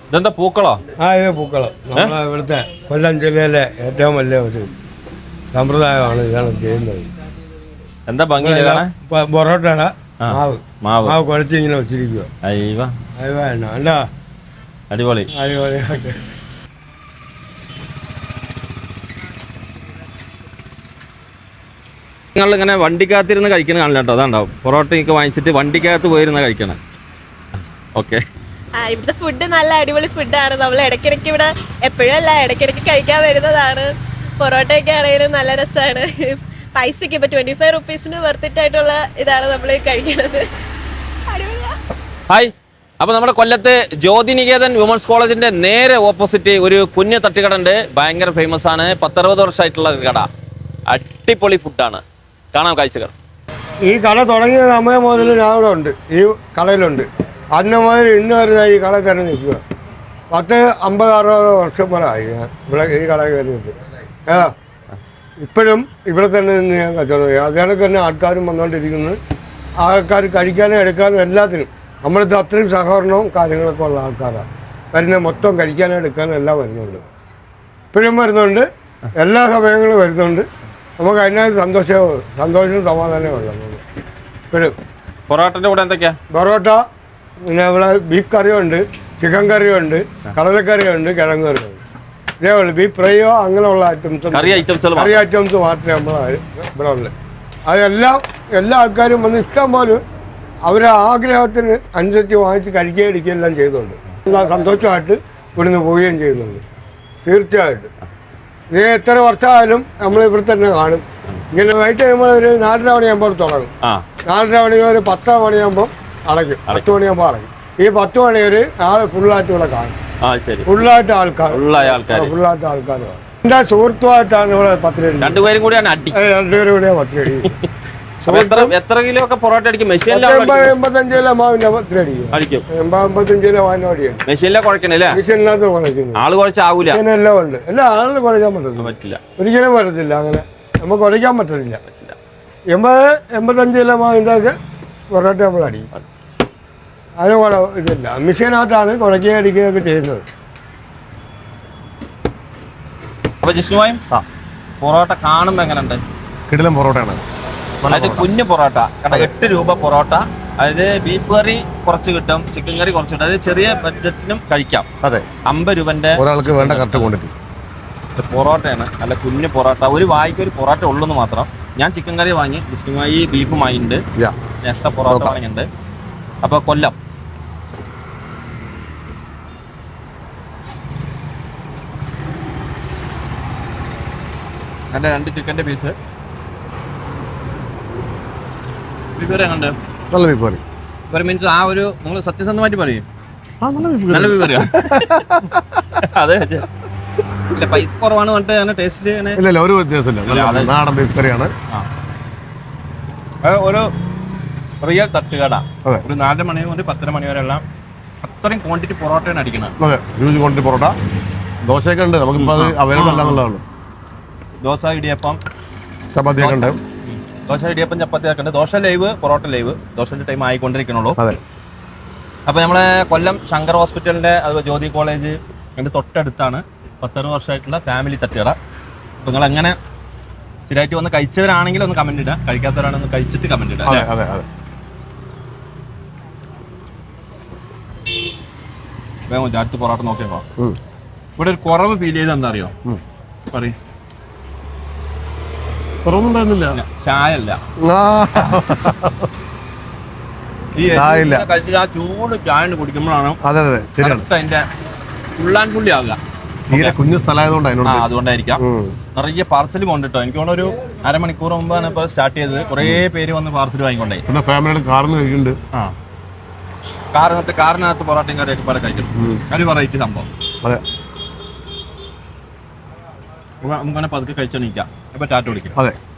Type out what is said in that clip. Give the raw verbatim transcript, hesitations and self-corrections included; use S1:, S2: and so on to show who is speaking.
S1: ഇതെന്താ പൂക്കളോ?
S2: ആ ഇത് പൂക്കളം. നമ്മളെ ഇവിടുത്തെ കൊല്ലം ജില്ലയിലെ ഏറ്റവും വലിയ ഒരു സമ്പ്രദായമാണ് ഇതാണ് ചെയ്യുന്നത്.
S1: എന്താ ഭംഗി
S2: പൊറോട്ടയുടെ മാവ്
S1: മാവ്
S2: മാവ് കുഴച്ച് ഇങ്ങനെ വെച്ചിരിക്കുക.
S1: അയ്യവ
S2: അയ്യോ അല്ല
S1: അടിപൊളി
S2: അടിപൊളിയായിട്ട്.
S1: നിങ്ങൾ ഇങ്ങനെ വണ്ടിക്കകത്തിരുന്ന് കഴിക്കണം കാണില്ല കേട്ടോ. അതാണ്ടാവും പൊറോട്ടയൊക്കെ വാങ്ങിച്ചിട്ട് വണ്ടിക്കകത്ത് പോയിരുന്ന കഴിക്കണം. ഓക്കെ,
S3: ഇവിടുത്തെ ഫുഡ് നല്ല അടിപൊളി ഫുഡാണ്. നമ്മൾ ഇടയ്ക്കിടയ്ക്ക് ഇവിടെ എപ്പോഴും അല്ല ഇടയ്ക്കിടയ്ക്ക് കഴിക്കാൻ വരുന്നതാണ്. പൊറോട്ടയൊക്കെ ആണെങ്കിലും നല്ല രസമാണ്. പൈസക്ക് ഇപ്പൊ ട്വന്റി ഫൈവ് റുപ്പീസിന് വെർത്തിട്ടായിട്ടുള്ള ഇതാണ് നമ്മൾ കഴിക്കുന്നത്.
S1: ഹായ്, അപ്പൊ നമ്മുടെ കൊല്ലത്ത് ജ്യോതിനികേതൻ വിമൻസ് കോളേജിന്റെ നേരെ ഓപ്പോസിറ്റ് ഒരു കുഞ്ഞു തട്ടുകട ഉണ്ട്. ഭയങ്കര ഫേമസ് ആണ്. പത്തറുപത് വർഷമായിട്ടുള്ള കട. അടിപൊളി ഫുഡാണ്. കാണാം കാഴ്ചകൾ.
S2: ഈ കട തുടങ്ങിയ സമയം മുതൽ ഞാൻ ഇവിടെ ഉണ്ട്, ഈ കടയിലുണ്ട്. അന്ന് മുതൽ ഇന്ന് വരെ ഈ കട തന്നെ നിൽക്കുക. പത്ത് അമ്പത് അറുപത് വർഷം വരെ ആയി ഞാൻ ഇവിടെ ഈ കട കയറിയിട്ട്. ഏ ഇപ്പോഴും ഇവിടെ തന്നെ നിന്ന് ഞാൻ കച്ചവടം ചെയ്യും. അതിനൊക്കെ തന്നെ ആൾക്കാരും വന്നുകൊണ്ടിരിക്കുന്നത്. ആൾക്കാർ കഴിക്കാനും എടുക്കാനും എല്ലാത്തിനും നമ്മളിത് അത്രയും സഹകരണവും കാര്യങ്ങളൊക്കെ ഉള്ള ആൾക്കാരാണ് വരുന്നത്. മൊത്തം കഴിക്കാനും എടുക്കാനും എല്ലാം വരുന്നുണ്ട്. ഇപ്പോഴും വരുന്നുണ്ട്, എല്ലാ സമയങ്ങളും വരുന്നുണ്ട്. നമുക്ക് അതിനകത്ത് സന്തോഷവും സന്തോഷവും സമാധാനവും ഉള്ളത്. ഇപ്പോഴും
S1: പൊറോട്ടന്റെ കൂടെ എന്തൊക്കെയാ?
S2: പൊറോട്ട, പിന്നെ ഇവിടെ ബീഫ് കറിയുണ്ട്, ചിക്കൻ കറിയുണ്ട്, കടലക്കറിയുണ്ട്, കിഴങ്ങ് കറിയുണ്ട്. ഇതേപോലെ ബീഫ് ഫ്രൈയോ അങ്ങനെയുള്ള ഐറ്റംസ്
S1: കറി ഐറ്റംസ്
S2: കറി ഐറ്റംസ് മാത്രമേ നമ്മൾ ഇവിടെ ഉള്ളു. അതെല്ലാം എല്ലാ ആൾക്കാരും വന്ന് ഇഷ്ടം പോലെ അവരുടെ ആഗ്രഹത്തിന് അനുസരിച്ച് വാങ്ങിച്ച് കഴിക്കുകയും ഇടിക്കുകയും എല്ലാം ചെയ്യുന്നുണ്ട്. എല്ലാം സന്തോഷമായിട്ട് ഇവിടുന്ന് പോവുകയും ചെയ്യുന്നുണ്ട്. തീർച്ചയായിട്ടും ഇത് എത്ര വർഷമായാലും നമ്മൾ ഇവിടെ തന്നെ കാണും. ഇങ്ങനെ വൈകിട്ട് കഴിയുമ്പോൾ ഒരു നാലര മണിയാകുമ്പോൾ തുടങ്ങും. നാലര മണി ഒരു പത്ത് മണിയാകുമ്പോൾ അടയ്ക്കും. പത്ത് മണിയാകുമ്പോൾ അടയ്ക്കും. ഈ പത്ത് മണി ഒരു നാളെ ഫുള്ളായിട്ട് ഇവിടെ കാണും. ഫുള്ളായിട്ട് ആൾക്കാർ ഫുള്ളായിട്ട് ആൾക്കാർ എൻ്റെ സുഹൃത്തുമായിട്ടാണ് ഇവിടെ പത്തിരടി.
S1: രണ്ടുപേരും കൂടിയാണ് അടി.
S2: രണ്ടുപേരും കൂടിയാണ് പത്തിരടി.
S1: എത്ര കിലോ ഒക്കെ പൊറോട്ട അടിക്കും?
S2: എൺപത്തഞ്ച് കിലോ മാവിന്റെ പത്തിരടി അടിക്കും. എൺപത് എൺപത്തഞ്ച് കിലോ മാവിന്റെ അടിയാണ്.
S1: മെഷീനിലെ കുഴക്കണല്ലേ?
S2: മെഷീനിനകത്ത് കുഴക്കുന്നത്.
S1: ആള് കുഴച്ചാവൂല.
S2: എല്ലാം ഉണ്ട്. എല്ലാ ആളും കുഴക്കാൻ പറ്റത്തില്ല. ഒരിക്കലും പറ്റത്തില്ല. അങ്ങനെ നമുക്ക് കുഴക്കാൻ പറ്റത്തില്ല. എൺപത് എൺപത്തഞ്ച് കിലോ മാവിന്റെ ഒക്കെ പൊറോട്ട നമ്മൾ അടിക്കും. അതിന് കുഴ ഇതില്ല. മെഷീനകത്താണ് കുഴക്കുകയും അടിക്കുകയൊക്കെ ചെയ്യുന്നത്.
S1: അപ്പൊ ജിഷ്ണുവായും പൊറോട്ട കാണുമ്പോ എങ്ങനെയുണ്ട്?
S4: കിടിലൻ പൊറോട്ടയാണ്.
S1: അതായത് കുഞ്ഞു പൊറോട്ട കാരണം എട്ട് രൂപ പൊറോട്ട. അതായത് ബീഫ് കറി കുറച്ച് കിട്ടും, ചിക്കൻ കറി കുറച്ച് കിട്ടും. അതായത് ചെറിയ ബഡ്ജറ്റിനും കഴിക്കാം.
S4: അതെ,
S1: അമ്പത് രൂപന്റെ
S4: ഒരാൾക്ക് വേണ്ട കറക്റ്റ് ക്വാണ്ടിറ്റി
S1: പൊറോട്ടയാണ്. നല്ല കുഞ്ഞു പൊറോട്ട. ഒരു വായിക്ക് ഒരു പൊറോട്ട ഉള്ളൂന്ന് മാത്രം. ഞാൻ ചിക്കൻ കറി വാങ്ങി, ജിഷ്ണുമായി ബീഫ് വാങ്ങിയിട്ടുണ്ട്, എക്സ്ട്രാ പൊറോട്ട വാങ്ങിയിട്ടുണ്ട്. അപ്പൊ കൊല്ലം എൻ്റെ രണ്ട് ചിക്കൻ്റെ പീസ്. ബീഫ് കറി എങ്ങനെയുണ്ട്?
S4: നല്ല ബീഫ് കറി.
S1: ഒരു മീൻസ് ആ ഒരു നിങ്ങൾ സത്യസന്ധമായിട്ട് പറയും നല്ല ബീഫ് കറിയാ? അതെ, ഇല്ല പൈസ കുറവാണ് പറഞ്ഞിട്ട് അങ്ങനെ ടേസ്റ്റിൽ
S4: ഇല്ല, ഒരു വ്യത്യാസമില്ല. നാടൻ ബീഫ് കറിയാണ്.
S1: ഒരു റിയൽ തട്ടുകട. ഒരു നാലര മണി മുതൽ പത്തര മണി വരെ എല്ലാം അത്രയും ക്വാണ്ടിറ്റി പൊറോട്ടയാണ് അടിക്കുന്നത്.
S4: അതെ, ഹ്യൂജ് ക്വാണ്ടിറ്റി പൊറോട്ട. ദോശയൊക്കെ ഉണ്ട്, നമുക്കിപ്പോൾ അത് അവൈലബിൾ അല്ല എന്നുള്ളതാണ്.
S1: ദോശ, ഇടിയപ്പം,
S4: ചപ്പാത്തിയൊക്കെ ഉണ്ട്.
S1: ദോശ, ഇടിയപ്പം, ചപ്പാത്തി ഒക്കെ ഉണ്ട്. Dosa live, parotta live. ദോശന്റെ ടൈം ആയിക്കൊണ്ടിരിക്കണുള്ളൂ.
S4: അതെ.
S1: അപ്പൊ നമ്മളെ കൊല്ലം ശങ്കർ ഹോസ്പിറ്റലിന്റെ അതുപോലെ ജ്യോതി കോളേജ് എൻ്റെ തൊട്ടടുത്താണ് പത്തറുപത് വർഷമായിട്ടുള്ള ഫാമിലി തട്ടുകട. അപ്പൊ നിങ്ങൾ എങ്ങനെ സ്ഥിരമായിട്ട് വന്ന് കഴിച്ചവരാണെങ്കിൽ ഒന്ന് കമന്റ് ഇടുക, കഴിക്കാത്തവരാണെന്ന് കഴിച്ചിട്ട് കമന്റ് ഇടുക. വേഗം അടുത്ത് പൊറോട്ട നോക്കിയപ്പോ ഇവിടെ ഒരു കുറവ് ഫീൽ ചെയ്ത് എന്താ അറിയോ? പറയും ചായ അല്ല, കഴിച്ചിട്ട് ആ ചൂട് ചായ കുടിക്കുമ്പോഴാണ് അതിന്റെ ഫുള്ളാൻ പുള്ളി ആവുക.
S4: കുഞ്ഞു സ്ഥലമായതുകൊണ്ട്
S1: അതുകൊണ്ടായിരിക്കാം. നിറയെ പാർസൽ കൊണ്ടിട്ടോ. എനിക്ക് തോന്നുന്നു ഒരു അരമണിക്കൂർ മുമ്പാണ് ഇപ്പൊ സ്റ്റാർട്ട് ചെയ്തത്. കുറെ പേര് വന്ന് പാർസൽ വാങ്ങിക്കൊണ്ടേ. ആ കാറിനകത്ത് കാറിനകത്ത് പൊറോട്ടയും കറിയൊക്കെ പല കഴിക്കണം. ഒരു വെറൈറ്റി സംഭവം. നമുക്കങ്ങനെ പതുക്കെ കഴിച്ചെണീക്കാം. ഇപ്പൊ ടാറ്റ വിളിക്കാം.
S4: അതെ.